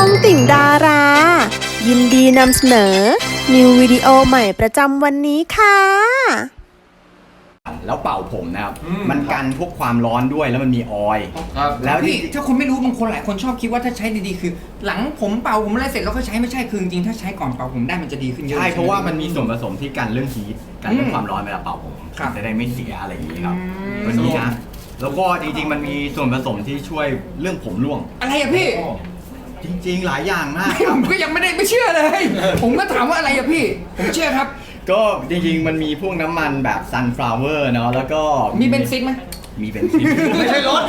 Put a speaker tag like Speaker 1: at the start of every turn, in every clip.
Speaker 1: องติ่งดารา ยินดีนำเสนอ นิววิดีโอใหม่ประจำวันนี้ค่ะ
Speaker 2: แล้วเป่าผมนะครับมันกันพวกความร้อนด้วยแล้วมันมีออยล์
Speaker 3: แล้วพี่ถ้าคนไม่รู้บางคนหลายคนชอบคิดว่าถ้าใช้ดีๆคือ หลังผมเป่าผมอะไรเสร็จแล้วก็ใช้ไม่ใช่คือจริงๆถ้าใช้ก่อนเป่าผมได้มันจะดีขึ้นเยอะ
Speaker 2: ใช่เพราะว่ามันมีส่วนผสมที่กันเรื่องฮีทกันเรื่องความร้อนเวลาเป่าผม
Speaker 3: ครับ
Speaker 2: จะได้ไม่เสียอะไรอย่างนี้ครับตัวนี้นะแล้วก็จริงๆมันมีส่วนผสมที่ช่วยเรื่องผมร่วง
Speaker 3: อะไรอะพี่
Speaker 2: จริงๆหลายอย่างมาก
Speaker 3: ผมก็ยังไม่เชื่อเลย ผมก็ถามว่าอะไรอะพี่ ผมเชื่อครับ
Speaker 2: ก็จริงๆมันมีพวกน้ำมันแบบ sunflower เนาะแล้วก็
Speaker 3: มีเบนซินไหม
Speaker 2: มีเบนซิน
Speaker 3: ไม่ใช่รถ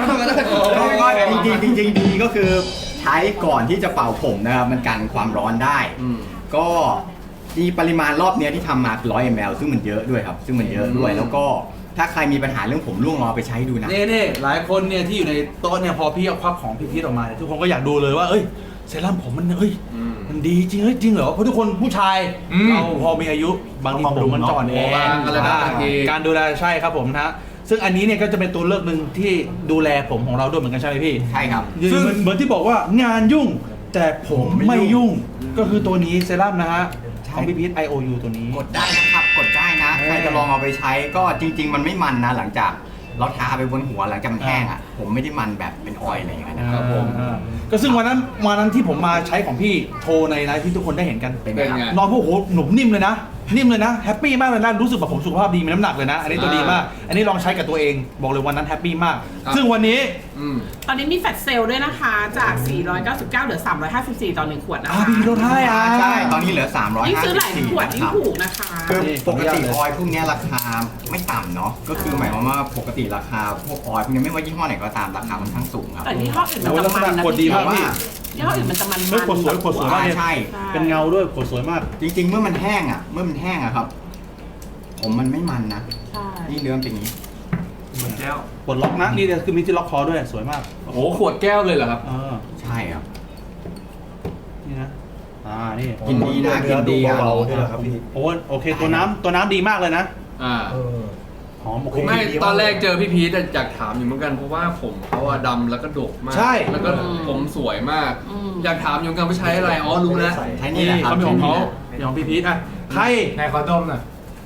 Speaker 2: จริงดีก็คือใช้ก่อนที่จะเป่าผมนะครับมันกันความร้อนได้ก็ที่ปริมาณรอบเนี้ยที่ทำมา100 ml ซึ่งมันเยอะด้วยครับซึ่งมันเยอะด้วยแล้วก็ถ้าใครมีปัญหาเรื่องผมร่วงลองไปใช้ดูนะ
Speaker 4: นี่หลายคนเนี่ยที่อยู่ในโต๊ะเนี่ยพอพี่เอาควักของพี่พีทออกมาเนี่ยทุกคนก็อยากดูเลยว่าเอ้ยเซรั่มผมมันมันดีจริงจริงเหรอเพราะทุกคนผู้ชายเราพอมีอายุบางทีผมมันจ่อนเองการดูแลใช่ครับผมนะซึ่งอันนี้เนี่ยก็จะเป็นตัวเลือกหนึ่งที่ดูแลผมของเราด้วยเหมือนกันใช่ไหมพี่
Speaker 2: ใช่ครับ
Speaker 4: ซึ่งเหมือนที่บอกว่างานยุ่งแต่ผมไม่ยุ่งก็คือตัวนี้เซรั่มนะฮะของพี่พีท IOU ตัวนี้
Speaker 2: กดได้นะครับกดได้นะใครจะลองเอาไปใช้ก็จริง ๆ มันไม่มันนะหลังจากเราทาไปบนหัวหลังจากมันแห้งอ่ะผมไม่ได้มันแบบเป็นออยล์อะไรอย่างเงี้ยนะครับผม
Speaker 4: ก็ซึ่งวันนั้นที่ผมมาใช้ของพี่โทรในไลฟ์ที่ทุกคนได้เห็นกัน
Speaker 2: เป็นไงครับ
Speaker 4: นอนพวกโหหนุ่มนิ่มเลยนะแฮปปี้มากเลยนะรู้สึกแบบผมสุขภาพดีมีน้ำหนักเลยนะอันนี้ตัวดีมากอันนี้ลองใช้กับตัวเองบอกเลยวันนั้นแฮปปี้มากซึ่งวันนี้
Speaker 5: ตอนนี้มีแฟลชเซลล์ด้วยนะคะจาก 499 เหลือ 354 ต่อ 1 ขวดนะคะ
Speaker 4: พี่ลดให้
Speaker 2: ใช่ตอนนี้เหลือ354
Speaker 5: ยิ่งซื้อหลายขวดยิ่งถูกนะคะ
Speaker 2: คือปกติออยล์พวกเนี้ยราคาไม่ต่ำเนาะก็คือหมายความว่าปกติราคาพวกออยล์พวกนี้ไม่ว่ายี่ห้อไหนก็ตามราคาค่อนข้างสูงครับ
Speaker 5: แต่ยี่ห้ออื่นมันจะมันนะ
Speaker 4: ขวดดีมาก
Speaker 5: พี่
Speaker 4: พี่
Speaker 5: ยี่ห้ออื่นมันจะมัน
Speaker 4: ขวดสวยมากเลย
Speaker 2: ใช่
Speaker 4: เป็นเงาด้วยขวดสวยมาก
Speaker 2: จริงๆเมื่อมันแห้งอะครับผมมันไม่มันนะ
Speaker 5: ใช่
Speaker 2: นี่เนื้อเป็นอย่างนี้
Speaker 6: เหมือนแก้ว
Speaker 4: ปลดล็อกนะนี่คือมีที่ล็อกคอด้วยสวยมาก
Speaker 6: โอ้โหขวดแก้วเลยเหรอครับ
Speaker 2: ใช่ครับ
Speaker 4: นี่นะนี่
Speaker 2: กินดีนะกินดีอะ
Speaker 6: เบาๆด้วยเหรอครับพี่
Speaker 4: โอเคตัวน้ำดีมากเลยนะ
Speaker 6: อ่า
Speaker 4: หอมโอเค
Speaker 6: ไม่ตอนแรกเจอพี่พีทอยากถามอยู่เหมือนกันเพราะว่าผมเขาอะดำแล้วก็ดกมาก
Speaker 4: ใช่
Speaker 6: แล้วก็ผมสวยมาก อยากถามอยู่เหมือนกันว่าใช้อะไรอ๋อรู้แล้ว
Speaker 2: ใช้นี่แหละครับ
Speaker 4: เขามีของเขาอย่างพี่พีทอ่ะใคร
Speaker 7: นายขอดมหน่อย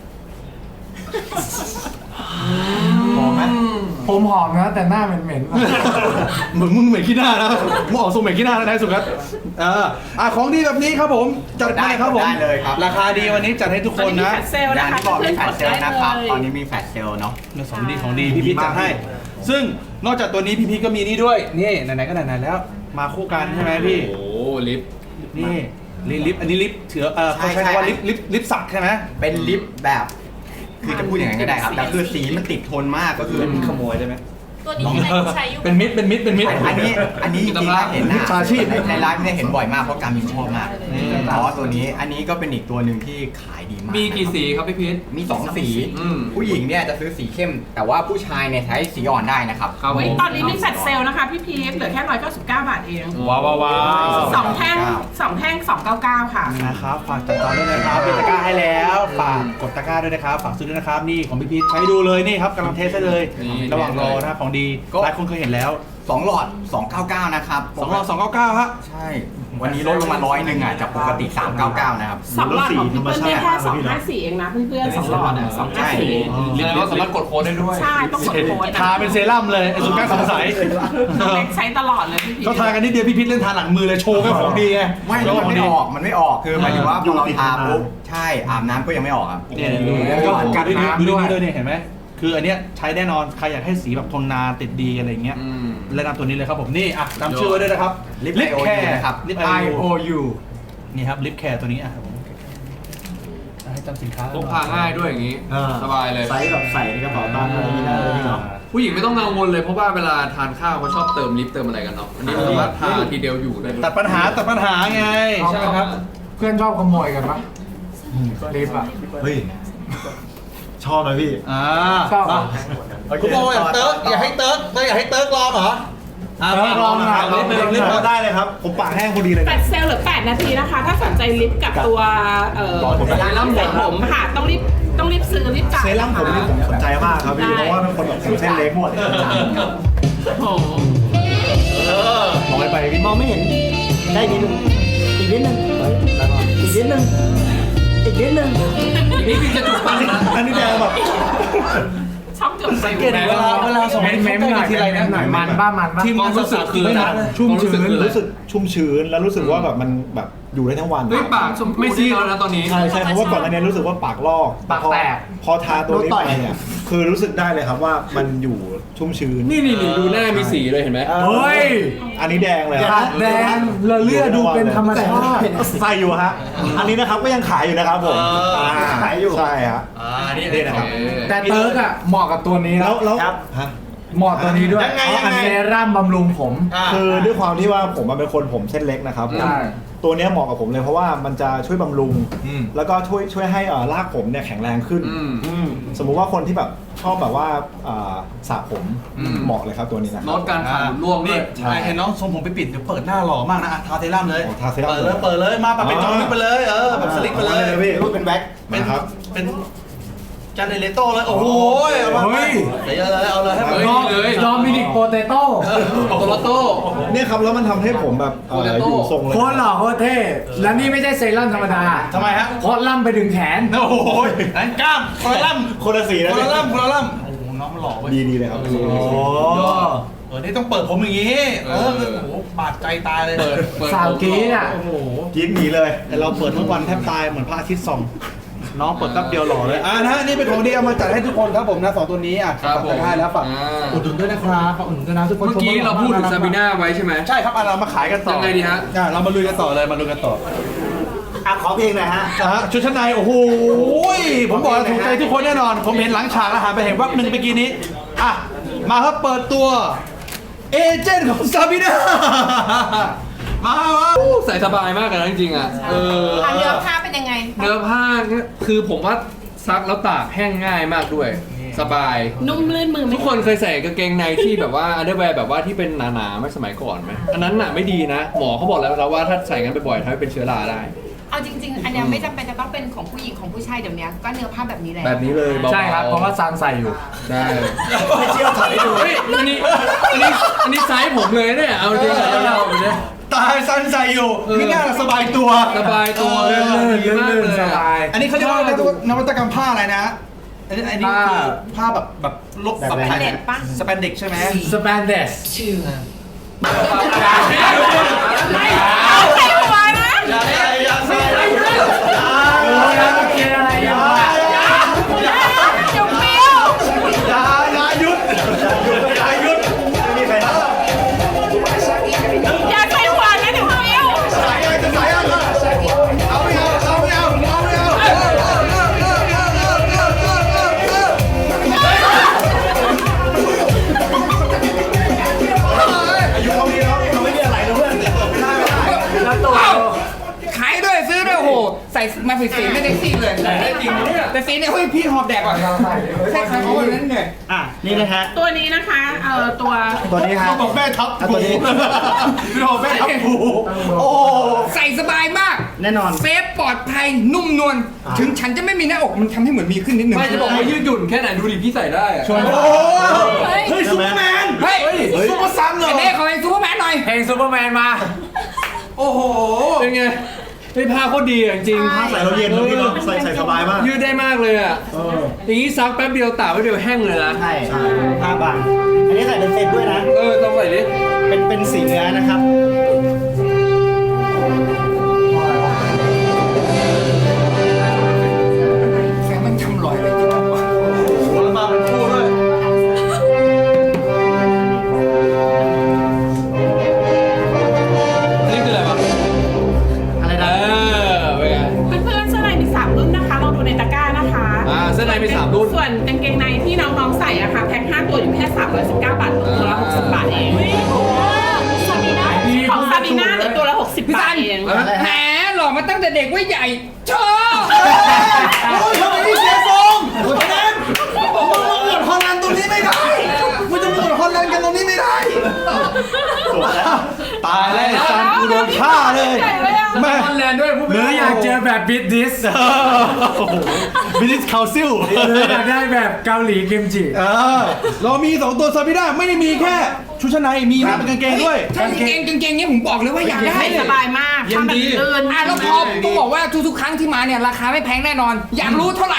Speaker 6: หอมไหม
Speaker 7: ผมหอมนะแต่หน้าเหม็นๆว่ะ
Speaker 4: เหมือนมึงเหม็นขี้หน้านะมึงออกทรงเหม็นขี้หน้าแล้วนายสุกัสของดีแบบนี้ครับผมจัดมาครับผม
Speaker 2: ได้เลยครับ
Speaker 4: ราคาดีวันนี้จัดให้ทุก
Speaker 5: ต
Speaker 4: ค
Speaker 5: อน
Speaker 4: น
Speaker 5: นี้มี
Speaker 4: นะ
Speaker 5: แฟลชเซลล์
Speaker 2: งา
Speaker 5: นะ
Speaker 2: น
Speaker 5: คะ
Speaker 2: ที่บอกมีแฟลชเซลล์
Speaker 5: ได้
Speaker 2: นะครับ
Speaker 5: เลย
Speaker 2: ตอนนี้มีแฟลชเซลล์เนาะ
Speaker 4: ของดีพี่พีทจัดให้ ซึ่งนอกจากตัวนี้พี่พีทก็มีนี่ด้วยนี่ไหนๆก็ไหนๆแล้วมาคู่กันใช่ไหมพี่
Speaker 6: โอ้โหลิฟต์
Speaker 4: นี่ลิปอันนี้ลิปเถือเขาใช้คำว่าลิปสักใช่ไหม
Speaker 2: เป็นลิปแบบคือจะพูดอย่างนั้นก็ได้ครับแต่คือสีมันติดทนมากก็คือ
Speaker 4: ขโมยได้ไหม
Speaker 8: ตัวนี้อะไรใช้อยู่
Speaker 4: เป็นมิด
Speaker 2: อันนี้จริงๆแล้วเห็นหน้า
Speaker 4: มิจฉาชีพ
Speaker 2: ในไลฟ์เนี่ยเห็นบ่อยมากเพราะการมินชอบมากเพราะว่าตัวนี้อันนี้ก็เป็นอีกตัวหนึ่งที่ขายดีมาก
Speaker 6: มีกี่สีครับพี่พีท
Speaker 2: มี2 สี
Speaker 6: อืม
Speaker 2: ผู้หญิงเนี่ยจะซื้อสีเข้ม แต่ว่าผู้ชายเนี่ยใช้สีอ่อนได้นะครับ
Speaker 6: ครับผ
Speaker 5: เฮ้ย
Speaker 6: ม
Speaker 5: ตอนนี้มีแฟลชเซลล์นะคะพี่พีทเหลือแค่ 199 บาทเอง
Speaker 4: ว้าว
Speaker 5: สองแท่ง299 ค่ะ
Speaker 4: นะครับฝากจัดจองด้วยนะครับมีตะกร้าให้แล้วฝากกดตะกร้าด้วยนะครับฝากซื้อด้วยนะครับนี่ของพี่พีทใช้ดูเลยนี่ครับกำลังเทสได้เลย ระหว่างรอนะครับของดีหลายคนเคยเห็นแล้ว
Speaker 2: 2 หลอด 299 นะครับ
Speaker 4: 2รอบ299ฮะ
Speaker 2: ใช่ วันนี้ลดลงมา100อ่ะจากปกติ 399 นะครับ
Speaker 5: สองหลอดของพี่เปิ้ลเนี่ยแค่254เองนะเพื่อนๆ2หลอดอ่ะ254
Speaker 6: ลิฟต์เราสามารถกดโค้ดได้ด้วย
Speaker 5: ใช่ต้องกดโค้ด
Speaker 4: ทาเป็นเซรั่มเลยไอ้สุกัสสงสัย
Speaker 5: น้องเล็กใช้ตลอดเลยพี่พีท
Speaker 4: เขาทากันนิดเดียวพี่พีทเล่นทาหลังมือเลยโชว์แค่ของดีไง
Speaker 2: ไม่แล้วมันไม่ออกคือหมายถึงว่าพอเราทาปุ๊บใช่อาบน้ำก็ยังไม่ออกครับ
Speaker 4: เนี่ย
Speaker 2: แล้วก็
Speaker 4: กัดน้ำด้วยนี่เห็นไหมคืออันเนี้ยใช้แน่นอนใครอยากให้สีแบบทนนานติดดีอะไรเงี้ย
Speaker 6: อืม
Speaker 4: แนะนำตัวนี้เลยครับผมนี่จำชื่อไว้ด้วยนะครับ
Speaker 2: ลิป
Speaker 4: ลิปแคร์
Speaker 2: นะครับ
Speaker 4: ลิป
Speaker 7: IOU
Speaker 4: นี่ครับลิปแคร์ตัวนี้ผมให้จำสินค้า
Speaker 6: พกพาง่ายด้วยอย่างนี้ สบายเลย
Speaker 7: ไซส์แบบใส่ในกระเป๋าตังค์อะไรอย่างเงี้ยได้เลยพี่เนาะ
Speaker 6: ผู้หญิงไม่ต้องกังวลเลยเพราะว่าเวลาทานข้าวเขาชอบเติมลิฟต์เติมอะไรกันเนาะอันนี้สามารถทาทีเดียวอยู่ได้เลย
Speaker 4: ตัดปัญหาไงใช่ไหมครับ
Speaker 7: เพื่อนชอบขโมยกันปะลิฟต์อ่ะ
Speaker 9: เฮ้ย ชอบนะพี่
Speaker 7: ชอบ
Speaker 4: คุณบอกอยากเติร์กอยากให้เติร์กลองเหรอ
Speaker 7: ลองหน่อย
Speaker 4: ลิป
Speaker 9: ได้เลยครับ ผมปากแห้งพอดีเลย
Speaker 5: แฟลชเซลล์เหลือ8 นาทีนะคะ ถ้าสนใจลิฟต์กับตัวเซรั่มใส่ผมค่ะต้องรีบซื้อรีบจ่าย
Speaker 9: เซรั่มผมนี่ผมสนใจมากครับพี่ เพราะว่าเป็นคนแบบผมเส้นเล็กหมด
Speaker 5: โอ้โห
Speaker 4: มองไปพี่มองไม่เห็น
Speaker 9: ได้นิดนึงอีกนิดนึงอีกนิดนึงอีกนิดนึง
Speaker 6: นี่พี่จะจุกปังนะ
Speaker 9: อันนี้แดงแบบ
Speaker 5: ช็อกจนใส่
Speaker 4: เกลียดเวลาส่ง
Speaker 7: เม้มหน่อย
Speaker 4: ทีไรนะ
Speaker 7: หน่อยมันบ้ามันบ้า
Speaker 4: ทีม
Speaker 6: ความ
Speaker 4: งาน
Speaker 6: รู้สึกคือ
Speaker 9: ไม่
Speaker 6: อะไร
Speaker 9: นาน
Speaker 6: นะ
Speaker 9: ชุ่ม
Speaker 6: ความรู้สึ
Speaker 9: ชื้
Speaker 6: ก
Speaker 9: น
Speaker 6: คืออะไร
Speaker 9: รู้สึกชุ่มชื้นแล้วรู้สึกว่าแบบมันแบบอยู่ได้ทั้งวัน
Speaker 6: เฮ้ยปากไม่ซีดแล้วนะตอนนี้
Speaker 9: ใช่ใช่เพราะว่าก่อนหน้านี้รู้สึกว่าปากลอก
Speaker 7: ปากแตก
Speaker 9: พอทาตัวนี้ไปเนี่ยคือรู้สึกได้เลยครับว่ามันอยู่ชุ่มชื้น
Speaker 6: นี่ดูหน้ามีสีเลยเห็นไหม
Speaker 7: เฮ้ย
Speaker 9: อันนี้แดงเลย
Speaker 7: แดงละเลือดดูเป็นธรรมชาติ
Speaker 9: ใส่อยู่ฮะอันนี้นะครับก็ยังขายอยู่นะครับผมขายอยู่ใช่ฮะ
Speaker 4: นี่นะครับ
Speaker 7: แต่เติร์กอ่ะเหมาะกับตัวนี้
Speaker 9: แล้วฮะ
Speaker 7: เหมาะตัวนี้ด้วย
Speaker 9: ยังไง
Speaker 7: เพราะอันเซรั่มบำรุงผม
Speaker 9: คือด้วยความที่ว่าผมเป็นคนผมเส้นเล็กนะครับ
Speaker 7: ใช่
Speaker 9: ตัวเนี้ยเหมาะกับผมเลยเพราะว่ามันจะช่วยบำรุง แล้วก็ช่วยให้รากผมเนี่ยแข็งแรงขึ้น สมมุติว่าคนที่แบบชอบแบบว่าสระผมเหมาะเลยครับตัวนี้นะค
Speaker 6: ล
Speaker 9: รับ
Speaker 6: ดการขาดร่วงด้
Speaker 4: นี่
Speaker 6: วย
Speaker 9: ใช่
Speaker 4: เห็นน้องทรงผมไปปิดเดี๋ยวเปิดหน้าหล่อมากนะทาเซรั่มเลย
Speaker 9: โอ้ทาเซรั่ม
Speaker 4: เปิดเลยมาแบบเป็นจอมลิปไปเลยแบบสลิกไปเลย
Speaker 9: พี่รูปเป็นแว็ก
Speaker 4: เป็น
Speaker 9: นะครับ
Speaker 4: เป็นจานเดเลโต้เลยโอ้โหเอามาเดี๋ยวเอาเลยให้แบบ
Speaker 7: ดอมินิกโปเตโต้
Speaker 6: โตโรโต้
Speaker 9: เนี่ยครับแล้วมันทำให้ผมแบบอยู่ทรงเลย
Speaker 7: โคตรหล่อโคตรเท่ และนี่ไม่ใช่เซรั่มธรรมดา
Speaker 4: ทำไมฮะ
Speaker 7: โคตรล่ำไปถึงแขน
Speaker 4: โอ้โหนั่นกล้ามคนละล่ำ
Speaker 9: คนละสีนะ
Speaker 4: คนละล่ำโอ้โหน้องมันหล่อเว้ย
Speaker 9: ดีเลยครับ
Speaker 4: โอ้นี่ต้องเปิดผมอย่างงี้โอ้โหบาดใจตายเลย
Speaker 6: เปิด
Speaker 7: สาวกรี๊ดอ่ะ
Speaker 4: โอ้โห
Speaker 9: กินหนีเลย
Speaker 4: แต่เราเปิดทุกวันแทบตายเหมือนพระอาทิตย์ส่องน้องเปิดแป๊บเดียวหล่อเลยนะนี่เป็นของดีเอามาจัดให้ทุกคนครับผมนะ2ตัวนี้
Speaker 6: ครับผม
Speaker 4: ฝากให้แล้วฝากอุดหนุนด้วยนะครับฝากอุดหนุนด้วยนะทุกคน
Speaker 6: เมื่อกี้เราพูดถึงซาบิน่าไว้ใช่ไหม
Speaker 4: ใช่ครับเรามาขายกันต่อ
Speaker 6: ยังไงดีฮะ
Speaker 4: เรามาลุยกันต่อเลยมาลุยกันต่อ
Speaker 9: ขอเพลงหน่อยฮะ
Speaker 4: ชุดชั้นในโอ้โหผมบอกแล้วถูกใจทุกคนแน่นอน ผมเห็นหลังฉากอาหารไปเห็นวักหนึ่งเมื่อกี้นี้มาครับเปิดตัวเอเจนต์ของซาบิน่ามา
Speaker 6: ใส่สบายมากเลยนะจริงๆอ่ะเนื้อผ้าเป็นยังไง เนื้อผ้าคือผมว่าซักแล้วตากแห้งง่ายมากด้วย สบาย
Speaker 5: นุ่มลื่นมือไหม
Speaker 6: ทุกคนเคยใส่กางเกงในที่แบบว่าอันเดอร์แวร์แบบว่าที่เป็นหนาๆไม่สมัยก่อนไหมอันนั้นน่ะไม่ดีนะ หมอเขาบอกแล้วว่าถ้าใส่กันบ่อยๆทำให้เป็นเชื้อราได้
Speaker 8: เอาจริง ๆ อันเนี้ยไม่จำเป็นจะต้องเป็นของผู้หญิงของผู้ชายเดี๋ยวนี้ก็เนื้อผ้าแบบนี้แหละ
Speaker 6: แบบนี้เลยเบาๆ
Speaker 7: ใช่ครับ เพราะว่าซานใส่อยู่
Speaker 6: ใช่
Speaker 9: ไม่เชื่อถ่ายให้ดู
Speaker 6: เฮ้ยอันนี้ไซส์ผมเลยเนี่ยเอาจริงๆเราเนี่ย
Speaker 4: ตายซันใส่อยู่ไม่น่าสบายตัว
Speaker 6: สบายตัว
Speaker 7: เลื่อนๆ
Speaker 6: ดีมากเลย
Speaker 7: สบาย
Speaker 4: อันนี้เขาเรียกว่านวัตกรรมผ้าอะไรนะอันนี้คือผ้าแบบลบแบบไทยสแปนเด็กใช่ไหม
Speaker 7: สเปนเดส
Speaker 5: เอาใส่หัวนะ
Speaker 4: อย่าใส่อย่าใส่
Speaker 7: เกินอะไรอยู่
Speaker 5: เดี๋ยวเปรี้ยว
Speaker 4: อย่าหยุดอย่าหยุด
Speaker 9: ไม่มีใครทำ
Speaker 5: อย่าใส่หัวนะเดี๋ยวเปรี้ยว
Speaker 4: ใส่อะไรจะใส่อะไรเอาไม่เอาเอาไม่เอาเอาไม่เอาอายุเขาดีแล้วเราไม่มีอะไรนะเพื่อนไม่ได้
Speaker 7: แล้วตัว
Speaker 3: ขายด้วยซื้อด้วยโอ้โหใส่มาผิดสีไม่ได้สีเลย
Speaker 6: ได้จริงเนี่ย
Speaker 3: แต่สีเนี่ยเฮ้ยพี่หอบแดกก่อนใช่ครับเพราะวันนั้นเนี่ย
Speaker 9: นี่นะฮะ
Speaker 5: ตัวนี้นะคะตัว
Speaker 9: ตัวนี้ฮะ
Speaker 4: เขาบอกแม่ทับ
Speaker 9: ตัวนี้
Speaker 4: พี่บอกแม่ทับผูโอ้
Speaker 3: ใส่สบายมาก
Speaker 9: แน่นอน
Speaker 3: เซฟปลอดภัยนุ่มนวลถึงฉันจะไม่มีหน้าอกมันทำให้เหมือนมีขึ้นนิดนึง
Speaker 6: ไม่จะบอกว่ายืดหยุ่นแค่ไหนดูดิพี่ใส่ได้อะ
Speaker 4: โหเฮ้ยซูเปอร์แมน
Speaker 3: เฮ้ย
Speaker 4: ซูเปอร์ซันเหรอ
Speaker 3: ไอ้เน่ขอเพลงซูเปอร์แมนหน่อย
Speaker 7: เพลงซูเปอร์แมนมา
Speaker 4: โอ้โห
Speaker 6: เป็นไงไอ้ผ้าโคตรดีอะจริงๆ
Speaker 9: ผ้าใส่เราเย็นนะพี่เนาะใส่สบายมาก
Speaker 6: ยืดได้มากเลยอ่ะอย่างนี้ซักแป๊บเดียวตากแป๊บเดียวแห้งเลยนะ
Speaker 9: ใช่ผ้าบางอันนี้ใส่เป็นเซตด้วยนะ
Speaker 6: ต้องใส่ดิ
Speaker 9: เป็นสีเนื้อนะครับ
Speaker 3: แสงมันทำรอยเลยจริงๆว่ะ
Speaker 4: แล้วมาเป็นคู่ด้วย
Speaker 6: นี่คืออะไรวะ
Speaker 9: อะไรนะ
Speaker 6: เป็นไง
Speaker 5: เพื่อนๆเสื้อในมี3รุ่นนะคะลองดูในตะกร้านะคะ
Speaker 6: เสื้อในมี3รุ่น
Speaker 5: ส่วนกางเกงในที่น้องๆใส่อะค่ะแพ็ค5ตัวอยู่แค่319 บาทตัวละ60 บาทเองซาบีน่าของซาบีน่าเหลือตัวละ60 บาทเอง
Speaker 3: แหมหล่อมาตั้งแต่เด็กว่าใหญ่ชอบ
Speaker 4: โอ้ยทำไมนี่เสียทรงแนนบอกว่าเราหมดฮอลแลนด์ตรงนี้ไม่ได้มันจะหมดฮอลแลนด์กันตรงนี้ไม่ได้ตายแล้วซันกูโดนฆ่าเลย
Speaker 5: ใหญ่เลยอะ
Speaker 6: แล้วก็ฮอลแลนด์ด้วยพูด
Speaker 7: หรืออยากเจอแบบบิดดิส
Speaker 4: บิลิสคาซิล
Speaker 7: หรืออยากได้แบบเกาหลีกิมจิ
Speaker 4: เรามี2ตัวซาบิน่าไม่ได้มีแค่ชุดชั้นในมีมาเป็นกางเกงด้วย
Speaker 3: ถ้ากางเกงเนี้ยผมบอกเลยว่าอยากได้
Speaker 5: ใส่สบายมาก
Speaker 6: เย็นดี
Speaker 5: ทำแบบลื่น
Speaker 3: แล้วพอต้องบอกว่าทุกๆครั้งที่มาเนี่ยราคาไม่แพงแน่นอน อยากรู้เท่าไหร่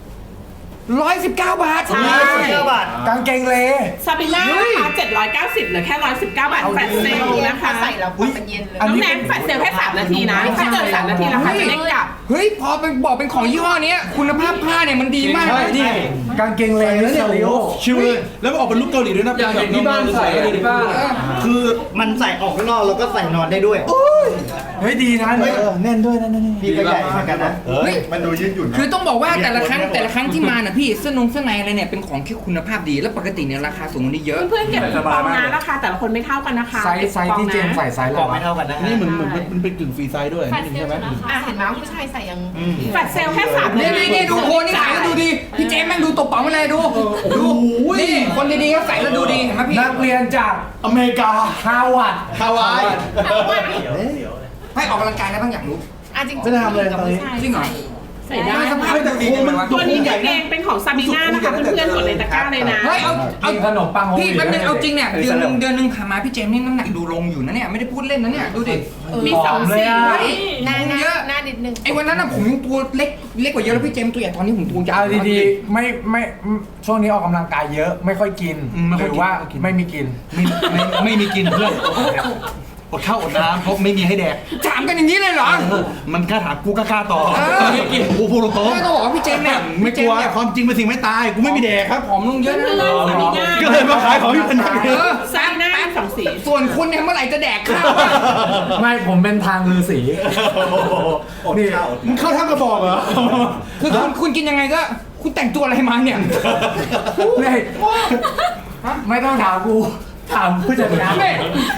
Speaker 3: 119 บาท
Speaker 9: 119 บาทกางเกงเล
Speaker 5: ซาบิน่านะคะ790เหลือแค่119 บาทแฟลชเซลนะคะ
Speaker 8: ใส่แล้วมันเย็นเลย
Speaker 5: น้องแนนแฟลชเซลแค่3นาทีนะถ้าเกิน3นาทีราคาจะเด้งกลับ
Speaker 3: เฮ้ยพอเป็นบอกเป็นของยี่ห้อเนี้ยคุณภาพผ้าเนี่ยมันดีมากเลย
Speaker 4: นี่
Speaker 9: กางเกงเลแล้วเนี่ย
Speaker 4: ชิวเลยแล้วมันออกเป็นลุคเกาหลีด้วยนะ
Speaker 6: อยากเห็นที่บ้านใส่กันที่บ้าน
Speaker 9: คือมันใส่ออกข้างนอกแล้วก็ใส่นอนได้ด้วยเฮ้ยดีนะแน่นด้วยนะพี่ก็ใหญ่เหมือนกันนะ
Speaker 3: เฮ้ย
Speaker 2: มันดูยืดหยุ่นนะ
Speaker 3: คือต้องบอกว่าแต่ละครั้งที่มาน่ะพี่เสื้อในอะไรเนี่ยเป็นของที่คุณภาพดีแล้วปกติเนี่ยราคาสูงกว่านี้เยอะ
Speaker 5: เพื่อนๆเก็บคูปองนะราคาแต่ละคนไม่เท่ากันนะคะ
Speaker 7: ไซส์ที่เจมส์ใส่ไซส์
Speaker 9: กล่องไม่เท่ากันนะ
Speaker 4: นี่เหมือนมันเป็นกึ่งฟรีไซส์ด้วยนี่ใช่ไหม
Speaker 8: อ่ะเห็นไหมผู้ชายใส่ยัง
Speaker 5: แฟลชเซลแค่3นาที
Speaker 3: นี่ดูโคนนี่ขายแล้วดูดีพี่เจมส์แม่งดูตบเป๋ามาเลยดูนี่คนดีๆก็ใส่แล้วดูดีเห็นไหมพี่
Speaker 7: นักเรียนจาก
Speaker 4: อเมริกา
Speaker 7: ฮาร์วาร์ด
Speaker 4: ฮาวาย
Speaker 3: ให้ออกกำลังกายได้บ้างอยากรู้
Speaker 8: อ่ะจริงๆ
Speaker 9: ไม่ได้ทำเลยตอนนี้
Speaker 3: จริงเหรอ
Speaker 5: ใส่ได้
Speaker 3: สภาพจะดีจังเลยวะ
Speaker 5: ตัวนี้กางเกงเป็นของซาบิน่านะคะเพื่อนๆกดในตะกร้าเลยนะ
Speaker 3: เฮ้ยเอา
Speaker 7: กินขนมปังโฮม
Speaker 3: พี่
Speaker 7: วีด
Speaker 3: มันเป็นเอาจริงเนี่ยเดือนนึงผ่านมาพี่เจมส์นี่น้ำหนักดูลงอยู่นะเนี่ยไม่ได้พูดเล่นนะเนี่ยดูดิ
Speaker 5: มี2สี
Speaker 8: หน้านิดนึง
Speaker 3: ไอ้วันนั้นน่ะผมยังตัวเล็กกว่าเยอะแล้วพี่เจมส์ตัวใหญ่ตอนนี้ผมตัวยาว
Speaker 7: เอาดีๆไม่ช่วงนี้ออกกำลังกายเยอะไม่ค่อยกินหรือว่าไม่มีกิน
Speaker 4: ไม่มีกินเพื่อนอดข้าวอดน้ำเพราะไม่มีให้แดก
Speaker 3: ถามกันอย่างนี้เลยเหรอ
Speaker 4: มันกล้าถามกูกล้าต่อ
Speaker 3: ไม่กิน
Speaker 4: กูพูดตรง
Speaker 3: ไม่ต้องบอกว่าพี่เจมส์เนี่ย
Speaker 4: ไม่กลัวความจริงเป็นสิ่งไม่ตายกูไม่มีแดกครับ
Speaker 3: ผอมลงเยอะนะ
Speaker 5: เพื่อนๆซาบิน่า
Speaker 4: ก็เลยมาขายของที่เป็นนักเรียน
Speaker 5: ซาบิน่า2สี
Speaker 3: ส่วนคุณเนี่ยเมื่อไหร่จะแดกข้าว
Speaker 7: ไม่ผมเป็นทางลือสี
Speaker 9: นี่
Speaker 4: มึงเข้าท่ากระบอกเหรอ
Speaker 3: คือคุณกินยังไงก็คุณแต่งตัวอะไรมาเนี่ย
Speaker 7: นี่ไม่ต้องถามกูถามผู้จัดการ
Speaker 3: นี่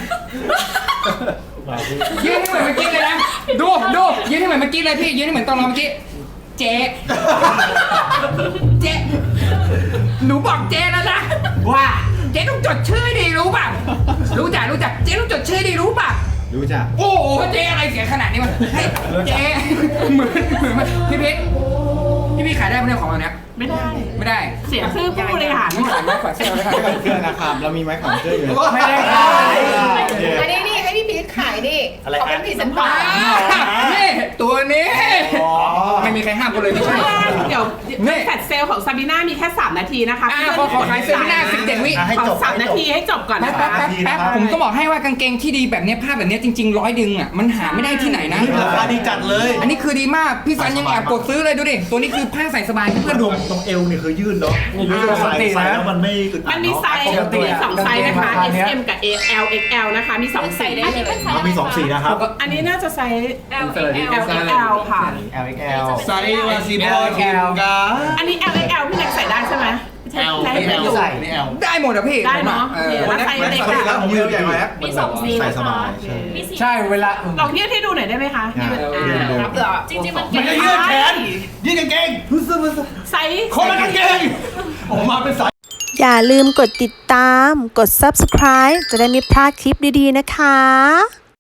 Speaker 3: ยืนให้เหมือนเมื่อกี้เลยนะดูยืนให้เหมือนเมื่อกี้เลยพี่ยืนให้เหมือนตอนเราเมื่อกี้เจ๊หนูบอกเจ๊แล้วนะว่าเจ๊ต้องจดชื่อดีรู้ป่ะรู้จักเจ๊ต้องจดชื่อดีรู้ป่ะ
Speaker 2: รู้จัก
Speaker 3: โอ้โหเจ๊อะไรเสียขนาดนี้มันให้เจ๊เหมือนพี่เพชรพี่ขายได้ไหมเนี่ยของเราเนี้ย
Speaker 5: ไม่ได้
Speaker 3: ไม่ได้
Speaker 5: เสียชื่อผู้บริหาร
Speaker 3: ไม่ขายไม่ขายเสื้อเลยครับ
Speaker 2: เครื่องนะครับเรามีไม้ของเครื่องอยู่
Speaker 7: ไม่ได้ขาย
Speaker 8: อันนี้นี่ให้พี่พีทขายดิเขาเป็นพรีเซนเตอร์
Speaker 3: นี่ตัวนี้ไม่มีใครห้ามกันเลยไม่ใช่
Speaker 5: เดี๋ยวแฟลชเซลของซาบิน่ามีแค่3นาทีนะคะ
Speaker 3: ขอขายเซมินา17 วิ
Speaker 8: ให้
Speaker 5: ขอ
Speaker 8: จบ
Speaker 5: 3นาทีให้จบก่อน
Speaker 3: แป๊
Speaker 5: นะ
Speaker 3: บ
Speaker 5: คะ
Speaker 3: แป๊บผมต้องบอกให้ว่ากางเกงที่ดีแบบนี้ผ้าแบบนี้จริงๆ100 ดึงอ่ะมันหาไม่ได้ที่ไหนนะ
Speaker 4: ราคาดีจัดเลย
Speaker 3: อันนี้คือดีมากพี่สันยังแอบกดซื้อเลยดูดิตัวนี้คือผ้าใส่สบายเพื่อนๆดู
Speaker 9: ตรงเอวเนี่ยคือยืดเนาะใส่แล้วมันไม่อึดอั
Speaker 5: มั
Speaker 9: ด
Speaker 5: นมีไซส์
Speaker 9: เนาะ
Speaker 5: มี2ไซส์นะคะ S M กับ L XL นะคะมี2สี
Speaker 9: มันมี2สีนะครับ
Speaker 5: อันนี้น่าจะไซส์
Speaker 8: L
Speaker 5: L ค่ะ
Speaker 9: LXL
Speaker 4: ไซส์วาซิบอลแก
Speaker 5: อันนี้ L XL พี่เล็กใส่ได้ใช่ไหม
Speaker 4: L
Speaker 5: ใช่
Speaker 4: L
Speaker 5: ใส่
Speaker 4: นี่ L
Speaker 3: ได้หมดอะพี่
Speaker 5: ได้เนาะแล้วไซส์เล็ก
Speaker 2: แล้ว
Speaker 5: อะ
Speaker 2: ผมเยอะใหญ่ไหม
Speaker 8: มี2สี
Speaker 2: ใส่สบาย
Speaker 7: ใช่เวลา
Speaker 5: ลองยืดให้ดูหน่อยได้ไหมคะ
Speaker 8: จริงๆมัน
Speaker 4: มันก็ยืดแขนยืดกางเกง
Speaker 5: ไซส์
Speaker 4: คนละกางเกงออกมาเป็นสาย
Speaker 1: อย่าลืมกดติดตาม กด subscribe จะได้ไม่พลาดคลิปดีๆนะคะ